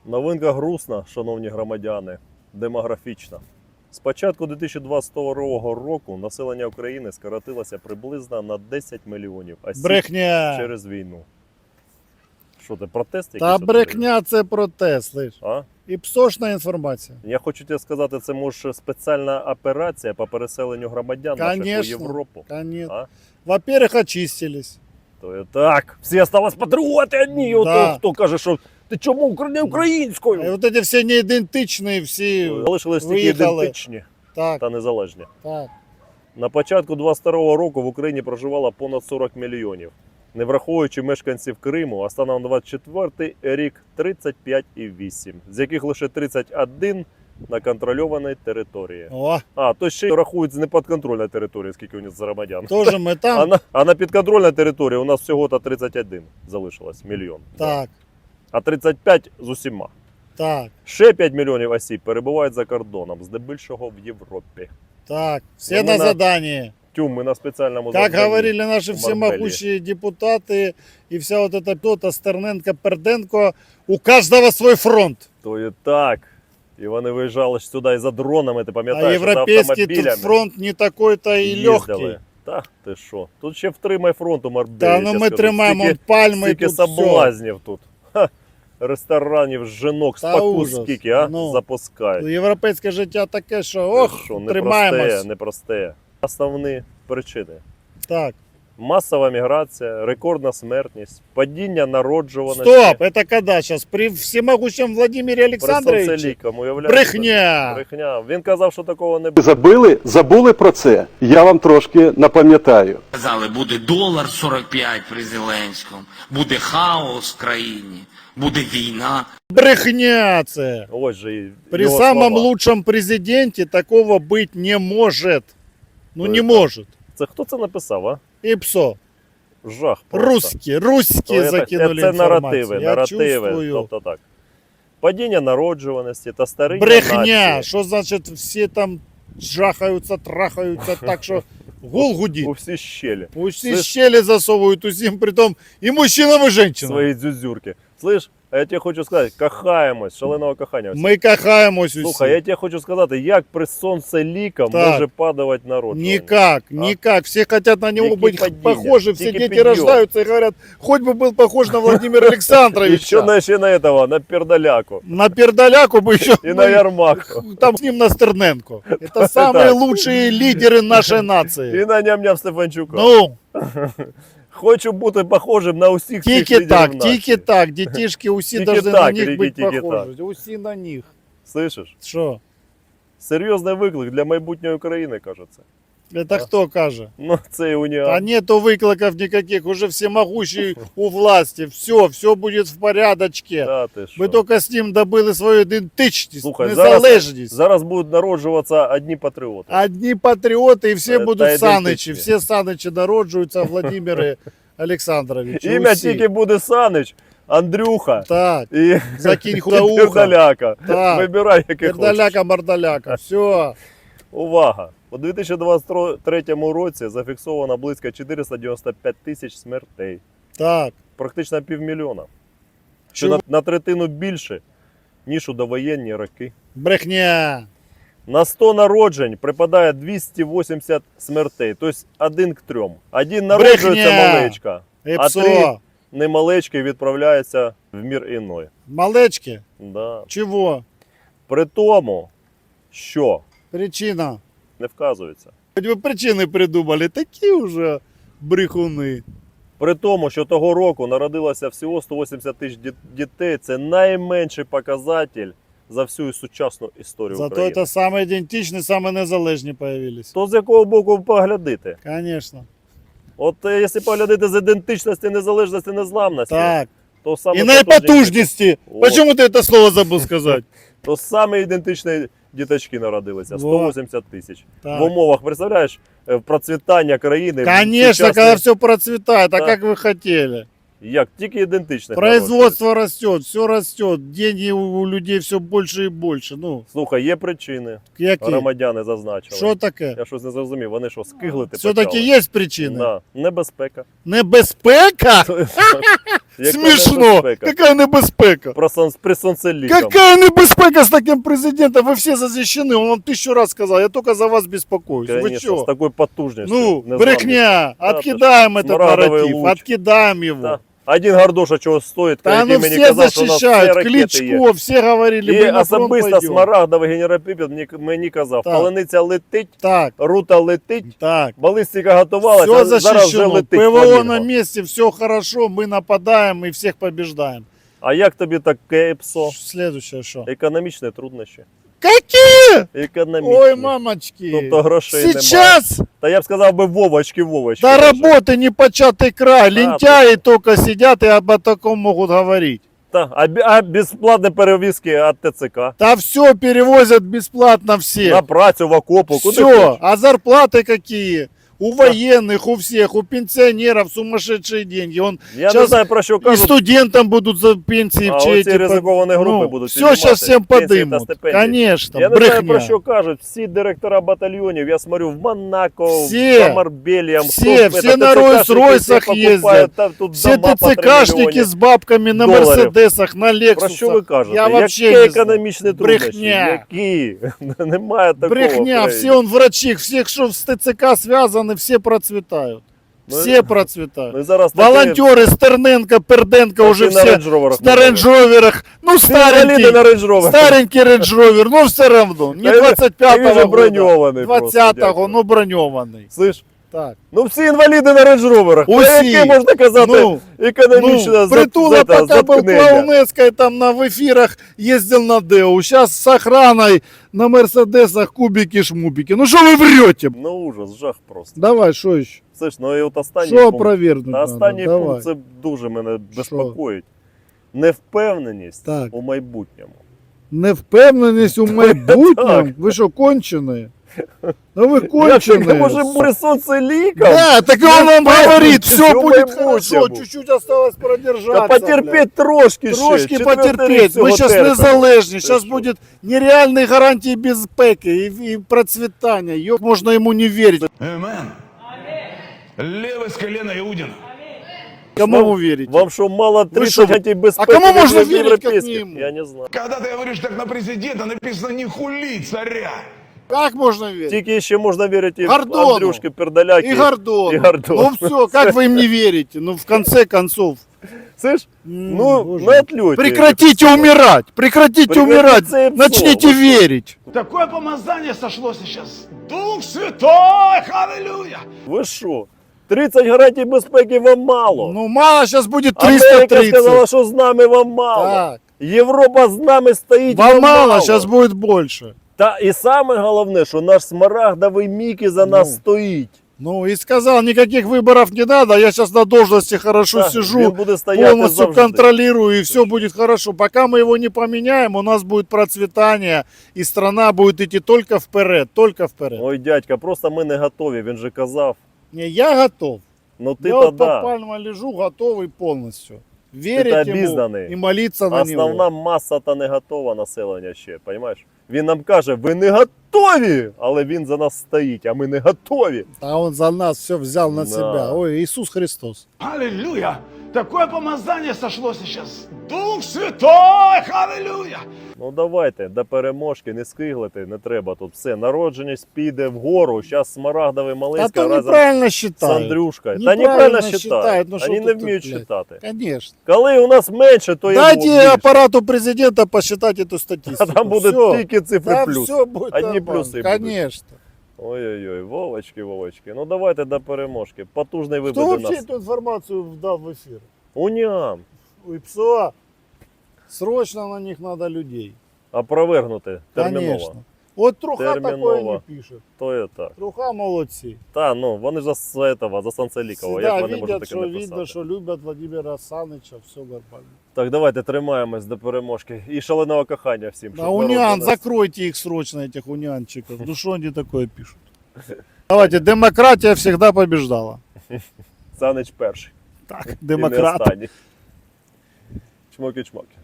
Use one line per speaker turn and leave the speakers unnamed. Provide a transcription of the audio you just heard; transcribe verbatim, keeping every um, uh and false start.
Новинка грустна, шановні громадяни, демографічна. З початку дві тисячі двадцять другого року населення України скоротилося приблизно на десять мільйонів осіб
Брехня.
через війну. Що це, протест якийсь?
Та брехня це протест, слиш.
А?
І псошна інформація.
Я хочу тебе сказати, це може спеціальна операція по переселенню громадян наших у
Конечно,
Європу.
конечно.
А?
Во-первых, очистились.
То є так, всі осталось патріоти одні,
Да.
ото хто каже, що ти чому не українською?
І от ці всі неідентичні, всі
Залишились тільки
виїхали.
ідентичні
Так,
та незалежні.
так.
На початку двадцять другого року в Україні проживало понад сорок мільйонів, не враховуючи мешканців Криму, а станом на двадцять четвертий рік тридцять п'ять і вісім, з яких лише тридцять один на контрольованій території.
О,
А, то ще й рахують з непідконтрольної території, скільки у них громадян.
теж ми
А
там.
на, а на підконтрольній території у нас всього-то тридцять один залишилось, мільйон.
Так,
А тридцять п'ять з усіма.
так,
Ще п'ять мільйонів осіб перебувають за кордоном, здебільшого в Європі.
так. Все
Ну,
на
ми на-
задании.
Тюм, ми на спеціальному
Как
завданні.
говорили наши
в
всемогущие депутаты и вся вот эта кто-то Стерненко, Перденко, у каждого свой фронт.
То і так. І вони виїжджали ж сюди і за дронами, ти
А
пам'ятаєш, і за
европейский тут
автомобілями.
фронт не такой-то и
їздили.
легкий.
Та ти що? Тут ще втримай фронт у Марбелі.
Да, ну мы тримаємо он пальми
Скільки
тут все.
соблазнів тут. Ха. Ресторанів, жінок,
Та
спаку
ужас.
скільки, а?
Ну.
Запускають.
Європейське життя таке, що
Ти
ох,
що,
тримаємось.
непросте, непросте. Основні причини.
Так,
Масова міграція, рекордна смертність, падіння народжуваності.
стоп, это когда сейчас? При всемогущем Владимире
При
Александровиче?
соцелікам, уявляєш?
Брехня!
Брехня. Він казав, що такого не
Ви
буде.
забили, забули про це? Я вам трошки напам'ятаю.
Казали, буде долар сорок п'ять при Зеленському, буде хаос в країні, буде війна.
Брехня це!
Ось же і
При
його
самом
слова.
лучшем президенте такого быть не может. Ну
То
не
это-
может.
Це хто це написав, а?
И псо.
Жах просто.
Русские, русские
То це-
закинули
Це
информацию.
наративи,
Я
наративи.
чувствую.
Тобто так. Падіння народжуваності та старіння
Брехня!
нації.
Что значит все там жахаются, трахаются так, что гул гудит.
У всі щелі.
Пусть
Слышь-
и щели засовывают усім, притом и мужчинам, и женщинам.
Свої дзюзюрки. Слышь, а я тебе хочу сказати, кохаємось, шаленого кохання.
Мы кахаемся усі.
Слухай, я тебе хочу сказати, як при сонцелікам
Так.
може падати народжування?
Никак,
А?
никак. Все хотят на него
Какие
быть
падения?
похожи. Все
Какие
дети
подъем?
рождаются и говорят, хоть бы был похож на Владимира
І
Александровича.
ще на, ще на этого, на пердаляку.
На пердаляку бы еще.
І на Ярмаку.
Там с ним на Стерненко. Это самые
Так.
лучшие лидеры нашей нации.
І на ням-ням Стефанчука.
Ну,
Хочу бути похожим на усіх цих
тільки
лідерів
так,
нації.
тільки так. Детишки усі
Тільки
должны
так,
на них
Рікі,
быть
тільки
похожи. Усі на них.
Слышиш?
Що?
Серйозний виклик для майбутньої України, кажеться.
Это хто каже?
Ну, це і уніан.
А нету выкликов никаких, уже всемогущий у власти. Все, все будет в порядочке.
Та ти що?
Ми тільки з ним добили свою ідентичність,
Слухай, зараз,
незалежність.
зараз будуть народжуватися одні патріоти.
Одні патріоти і всі
Та
будуть
ідентичні.
Саничі. Всі Саничі народжуються, Владимири Олександровичі.
Ім'я
усі.
тільки буде Санич, Андрюха
Так,
і
закинь худоуха.
Пердаляка.
Так.
Вибирай, який хочеш.
Пердаляка, мордаляка. Все.
Увага! У дві тисячі двадцять третьому році зафіксовано близько чотириста дев'яносто п'ять тисяч смертей.
Так.
Практично півмільйона. Що
Чого?
на, на третину більше, ніж у довоєнні роки.
Брехня.
На сто народжень припадає двісті вісімдесят смертей, тобто один к трьом. Один народжується
Брехня!
малечка, а три
Епсо.
немалечки відправляються в мір іной.
Малечки.
Да.
Чего?
При тому, що
Причина.
не вказується.
Хоть бы причины придумали. Такі уже брехуни.
При тому, що того року народилося всього сто вісімдесят тисяч ді- дітей, це найменший показатель за всю сучасну історію
Зато
України.
это самые идентичные, самые незалежні появились.
То з якого боку поглядити?
Конечно.
От е, якщо поглядати з ідентичності, незалежності, незламності,
Так.
то саме
И наипотужности.
О.
Почему ты это слово забыл сказать?
то саме ідентичні діточки народилися. сто
Во.
вісімдесят тисяч.
Так.
В умовах, представляєш, е, процвітання країни.
Конечно,
сучасної-
когда все процветает, а
Да.
как вы хотели.
Як? Тільки ідентичних
Производство растет, все растет, деньги у у людей все больше и больше. Ну,
народжується. Слухай, є причини.
які?
Громадяни зазначили.
Що таке?
Я щось не зрозумів. Вони що, скиглити
Все-таки
почали?
є причини?
Да. Небезпека.
Небезпека?
Яка
Смішно!
небезпека?
Яка небезпека?
Про сон, при сонцелікам.
Какая небезпека с таким президентом? Вы все защищены. Он вам тысячу раз сказал. Я только за вас беспокоюсь. Вы
Конечно,
что?
з такою потужністю.
Ну,
незламністю.
брехня.
Да,
Откидаем
ты ж,
этот
смарагдовый
нарратив.
луч.
Откидаем его.
Да. Один Гордоша чого стоїть,
Да
який
ну
мені
все
казав, що у нас всі
защищают.
ракети є.
Кличко, все говорили,
І
мы на фронт
особисто
пойдем.
Смарагдовий генерал Піпіт мені, мені казав,
Так.
палениця летить,
Так,
рута летить,
так.
балістика готувалася,
Все
а зараз вже
защищено.
летить.
ПВО
фламінго.
на месте, все хорошо. Мы нападаем и всех побеждаем.
А як тобі таке ПСО?
Следующее что?
Економічні труднощі.
Какие?
Економічні.
Ой, мамочки.
Тобто грошей немає.
Сейчас
Та я б сказав би Вовочки, Вовочки.
до
даже.
работы не початый край. Лентяи только сидят и об таком могут говорить.
Та, а, бі- а безплатні перевізки від ТЦК?
Да все перевозят бесплатно все.
На працю, в окопу, куди
Все.
хочеш.
А зарплаты какие? У военных, у всех, у пенсионеров сумасшедшие деньги. Он
Я не
Щас
знаю, про що
и
кажуть.
студентам будут за пенсии
А
в чеки
оці ризиковані групи будуть
все
піднімати
сейчас всем
пенсії та
подымут.
стипендії.
Конечно,
Я не знаю, про
брехня.
що кажуть. Всі директора батальйонів, я смотрю, в Монако,
Всі.
в Марбеліям,
Все, все на Ройс-Ройсах ездят. Все ТЦКшники с бабками на
долларов.
Мерседесах, на Лексусах.
Про що ви кажете?
Я вообще
Які
не знаю.
економічні труднощі?
Брехня.
Які? Немає такого.
Брехня,
в
все
країні.
он врачи, всех, что с ТЦК связаны, все процветают.
Ну,
Все процветают.
Ну, і зараз таке-
Волонтеры Стерненко, Перденко уже
такі на
все
рейндж-роверах
на
ходили.
рейндж-роверах. Ну,
Всі інваліди
старенький,
на рейндж-роверах.
старенький рейндж-ровер, ну все равно. Не
Та він-
двадцять
та він
п'ятого
же
года,
броньований просто,
двадцятого,
дядько.
ну броньований.
Слышь,
Так.
ну всі інваліди на рейндж-роверах. Про
Усі.
яке можна казати
Ну,
економічно
Ну, Притула
за-
пока был
заткнення?
клоунеской, там на, в эфирах ездил на Деу. Сейчас с охраной на Мерседесах кубики-шмубики. Ну что вы врете?
Ну ужас, жах просто.
Давай, что еще?
Слышь, ну і от останній
Что
пункт.
опровергнуть
Та
надо?
останній
Давай.
пункт це дуже мене безпокоїть. Невпевненість
Так.
у майбутньому.
Невпевненість у майбутньому? Ви що, кончені? Ну ви
Як таке
кончені.
може бути сонцеліком?
Да, так он вам говорит, все
Невпевненість у
будет
майбутньому.
хорошо, чуть-чуть осталось продержаться.
Та потерпіть трошки ще.
Трошки
Четвертий рік
потерпеть.
всього
Ми зараз
терпимо.
незалежні.
Ти
Зараз
що?
буде нереальні гарантії безпеки і, і процвітання. Йок, можна йому не вірити.
Амен. Левый с колена Иудина.
Кому
Вам-
ви вірите?
Вам що, мало
що,
тридцять гарантій безпеки
а кому
від
можна вірити,
європейських?
як не йому?
Я не знаю.
Когда ты говоришь так на президента, написано «не хули царя».
Як можна вірити?
Тільки ще можна вірити
Гордону.
Андрюшки Пердаляки.
И Гордон.
И Гордон.
Ну все, как вы им не верите? Ну в конце концов.
Слышь?
М,
Ну,
боже.
на отлете.
Прекратите умирать! Прекратите
Прекратите
умирать!
это
Начните
слово.
верить!
Такое помазание сошло сейчас. Дух Святой, аллилуйя.
Ви що? тридцять гарантій безпеки вам мало.
Ну мало, сейчас будет
Америка сказала,
триста тридцать.
що з нами вам мало.
Так.
Європа з нами стоїть.
Вам мало, сейчас будет больше.
Та і саме головне, що наш смарагдовий Мікі за нас
Ну.
стоїть.
Ну и сказал, никаких выборов не надо, я сейчас на должности хорошо
Так, він
сижу,
буде стояти
полностью
завжди.
контролирую, и все будет хорошо. Пока мы его не поменяем, у нас будет процветание, и страна будет идти только вперед, только вперед.
Ой, дядька, просто ми не готові, він же казав.
Не, я готов.
Ну ти
я
то
вот под
да.
пальмой лежу, готовый полностью. Верить ему
обізнаний.
и молиться на
Основна
него.
маса та не готова населення ще, розумієш? Він нам каже, ви не готові, але він за нас стоїть, а ми не готові.
А он за нас все взял на
Да.
себя. Ой, Иисус Христос.
Аллилуйя. Такое помазание сошло сейчас. Дух Святой, аллилуйя.
Ну давайте, до переможки, не скиглити, не треба тут все. Народженість піде вгору, зараз смарагдовий
А
Малинська
то
разом
неправильно
з
считают.
Андрюшкою. Та
Неправильно
неправильно
считають,
считають,
ну, що
вони
ти
не
тут,
вміють
блядь?
читати.
Конечно.
Коли у нас менше, то
Дайте
і більше.
аппарату президента посчитать эту
А
статистику.
там буде
Всё.
тільки цифри
Да,
плюс.
все будет
Одні
нормально.
плюси будуть.
Конечно.
Ой-ой-ой, Вовочки, Вовочки. Ну давайте до переможки. Потужний
Кто
вибуде
вообще
нас.
эту информацию вдал в эфир?
Уням.
Ой, ПСО. Срочно на них надо людей.
Опровергнути терміново.
Конечно. Вот Труха такое
Терміново.
не пишет.
То є так.
Труха молодцы.
Та, ну, вони ж за этого, за Санцелікова. Як
Всегда
вони можуть
видят,
таке
что
написати?
видно, что любят Владимира Саныча, все нормально.
Так, давайте тримаємось до переможки. І шаленого кохання всім.
А
щоб народ
униан,
за нас-
закройте их срочно, этих унянчиков. Ну что они такое пишут? Давайте, демократия всегда побеждала.
Санич перший.
Так,
І не
демократ.
останній. Чмоки-чмоки.